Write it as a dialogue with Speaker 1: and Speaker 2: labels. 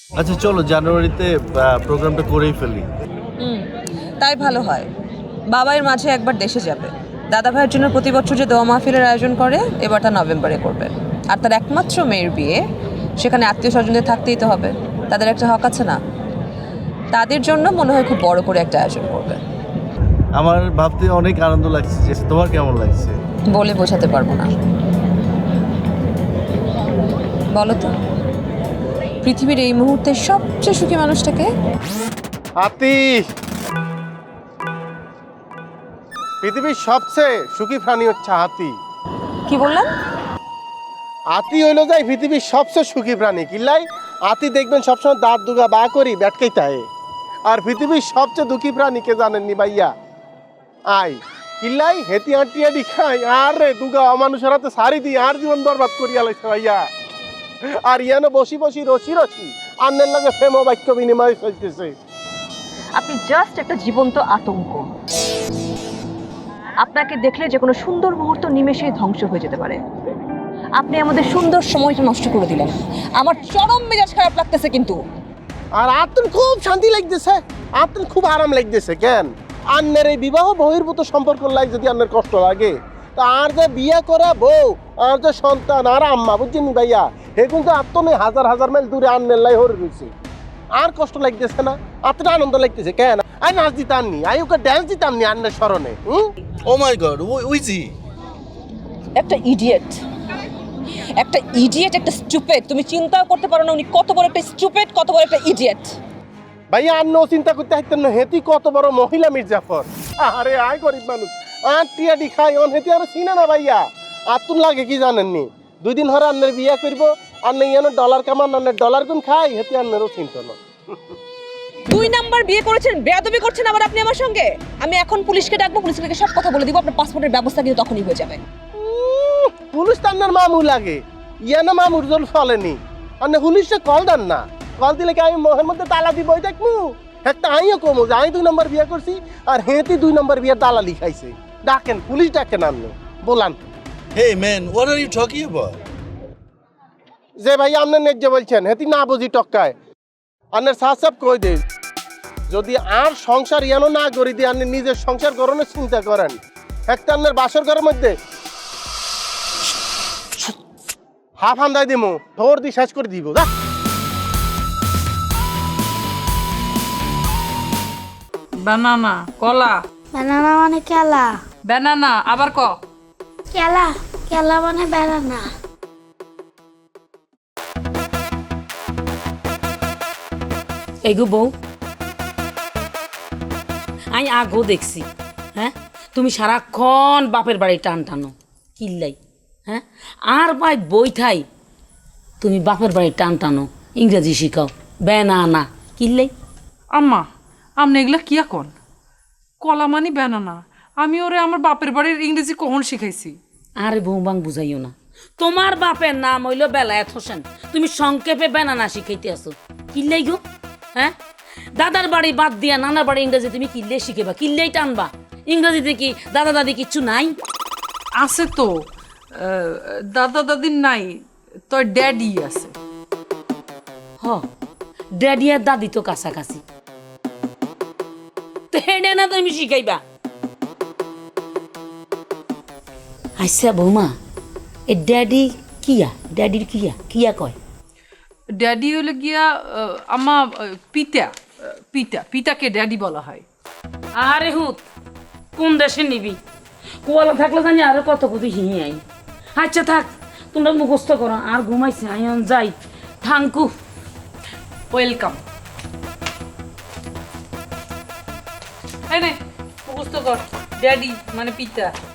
Speaker 1: আচ্ছা চলো জানুয়ারিতে প্রোগ্রামটা করেই ফেলি।
Speaker 2: তাই ভালো হয়। বাবাইয়ের মাঝে একবার দেশে যাবে। দাদা ভাইয়ের জন্য প্রতি বছর যে দোয়া মাহফিলের আয়োজন করে, এবার তা নভেম্বরে করবে। আর তার একমাত্র মেয়ের বিয়ে, সেখানে আত্মীয় স্বজনদের থাকতেই তো হবে। তাদের একটা হক আছে না? তাদের জন্য মনে হয় খুব বড় করে একটা আয়োজন করবে।
Speaker 1: আমার ভাবতে অনেক আনন্দ লাগছে। তোমার কেমন লাগছে?
Speaker 2: বলে বোঝাতে পারবো না। বলো তো, পৃথিবীর এই মুহূর্তে সবচেয়ে সুখী মানুষটাকে?
Speaker 3: হাতি পৃথিবীর সবচেয়ে সুখী প্রাণী হচ্ছে হাতি।
Speaker 2: কি বললেন?
Speaker 3: হাতি হইলো যাই পৃথিবীর সবচেয়ে সুখী প্রাণী। কিল্লাই হাতি দেখবেন সবসময় দাঁত দুগা বা করি ব্যাটকেই তাই। আর পৃথিবীর সবচেয়ে দুঃখী প্রাণী কে জানেননি ভাইয়া? আয় কিল্লাই হেতি আঁটিয়াডি খাই আর রে দুগা অমানুষের হাতে সারি দিই আর জীবন বরবাদ করিয়া লাইছে ভাইয়া। আর ইয়ানো বসি বসি রসি রসি আন্নের লাগে প্রেম বাক্য বিনিময় চলতেছে।
Speaker 2: আপনি জাস্ট একটা জীবন্ত আতঙ্ক। আপনাকে দেখলে যে কোনো সুন্দর মুহূর্ত নিমেষেই ধ্বংস হয়ে যেতে পারে। আপনি আমাদের সুন্দর সময়টা নষ্ট করে দিলেন। আমার চরম মেজাজ খারাপ লাগতেছে কিন্তু।
Speaker 3: আর আত্মন খুব শান্তি লাগতেছে, আত্মন খুব আরাম লাগতেছে। কেন আন্নের এই বিবাহ বহির্ভূত সম্পর্ক লাগে যদি আন্নের কষ্ট লাগে, তা আর যে বিয়ে করা বউ আর যে সন্তান আর আম্মা বুঝছেন ভাইয়া, হে কিন্তু আত্মনে হাজার হাজার মাইল দূরে আন্নের লাই হরে রয়েছে। আর কষ্ট লাগতেছে না, আত্মটা আনন্দ লাগতেছে। কেন আই নাচ দিতাম নি, আই ওকে ড্যান্স দিতাম নি আন্নের স্মরণে।
Speaker 1: ও মাই গড, উইজি
Speaker 2: একটা ইডিয়েট, একটা ইডিয়েট, একটা স্টুপিড। তুমি চিন্তাও করতে পারো না উনি কত বড় একটা স্টুপিড, কত বড় একটা ইডিয়েট।
Speaker 3: ভাইয়া আন্ন চিন্তা করতে হাইতেন না, হেতি কত বড় মহিলা মির্জাফর। আরে আয় গরিব মানুষ আর টিয়াডি খাই অন হেতি আর চিনে না ভাইয়া। আত্মন লাগে কি জানেননি, 2 দিন ধরে আন্নের বিয়া করব, আন্নে ইয়ানো ডলার কামান আন্নের ডলার গুন খাই, হেতি আন্নেরও চিন্তা না।
Speaker 2: 2 নাম্বার বিয়ে করেছেন, বেয়াদবি করছেন আবার আপনি আমার সঙ্গে। আমি এখন পুলিশকে ডাকবো, পুলিশকে সব কথা বলে দিব। আপনার পাসপোর্টের ব্যবস্থা কিন্তু তখনই হয়ে যাবে।
Speaker 3: পুলিশ তো আন্নার মামু লাগে, ইয়ানো মামুর জল চলেনি। আন্নে পুলিশে কল দেন না, কল দিলে কি আমি মোহের মধ্যে তালা দিব দেখমু? একটা আইও কমু যে আমি 2 নম্বর বিয়া করছি আর হেতি 2 নম্বর বিয়ার দালালি খাইছে। ডাকেন পুলিশ, ডাকেন আন্নে বলান।
Speaker 1: Hey man, what are you talking about?
Speaker 3: যে ভাই আপনার ন্যায্য বলছেন হেতি না বুঝি টক্কায় আন্নের সাহসাব কই দে। যদি আর সংসার ইয়ানো না করি দিয়ে আপনি নিজের সংসার গড়নের চিন্তা করেন, একটা আন্নের বাসর ঘরের মধ্যে হাফ হান্দাই দিমু, ধর দি শেষ করে দিব। যা
Speaker 4: বানানা, কলা।
Speaker 5: ব্যানানা মানে কেলা।
Speaker 4: বানানা আবার ক।
Speaker 5: কেলা, কেলা মানে ব্যানানা।
Speaker 6: এগো বউ, আমি আগো দেখছি। হ্যাঁ, তুমি সারাক্ষণ বাপের বাড়ি টান টানো কিল্লাই। হ্যাঁ, আর ভাই বই থাই তুমি বাপের বাড়ি টান টানো, ইংরেজি শিখাও বেনানা কিল্লাই।
Speaker 4: আম্মা, আপনি এগুলা কি এখন? কলা মানি বানানা। আমি ওরে আমার বাপের বাড়ির ইংরেজি কখন শিখাইছি?
Speaker 6: আরে বউ বাং বুঝাইও না, তোমার বাপের নাম হইল বেলায়েত হোসেন, তুমি সংক্ষেপে বেনানা শিখাইতে আসো কিল্লাই গো। হ্যাঁ, দাদার বাড়ি বাদ দিয়া নানার বাড়ি ইংরেজি তুমি কিল্লে শিখেবা, কিল্লেই টানবা। ইংরেজিতে কি দাদা দাদি কিচ্ছু নাই?
Speaker 4: আছে তো, দাদা দাদির নাই, তোর ড্যাডি আছে।
Speaker 6: হ, ড্যাডি আর দাদি তো কাছাকাছি, তো হেডে না তুমি শিখাইবা। আচ্ছা বৌমা, এ ড্যাডি কিয়া, ড্যাডির কিয়া কিয়া কয়?
Speaker 4: ড্যাডি হলে গিয়া আমা পিতা, পিতা, পিতাকে ড্যাডি বলা হয়।
Speaker 6: আরে হুত, কোন দেশে নিবি? কুয়ালা থাকলে জানি আরো কত কত হিঁ আই। আচ্ছা থাক, তোমরা মুখস্থ করো, আর ঘুমাইছে আইন যাই। Thank you,
Speaker 4: welcome. এই নে মুখস্থ কর, ড্যাডি মানে পিতা।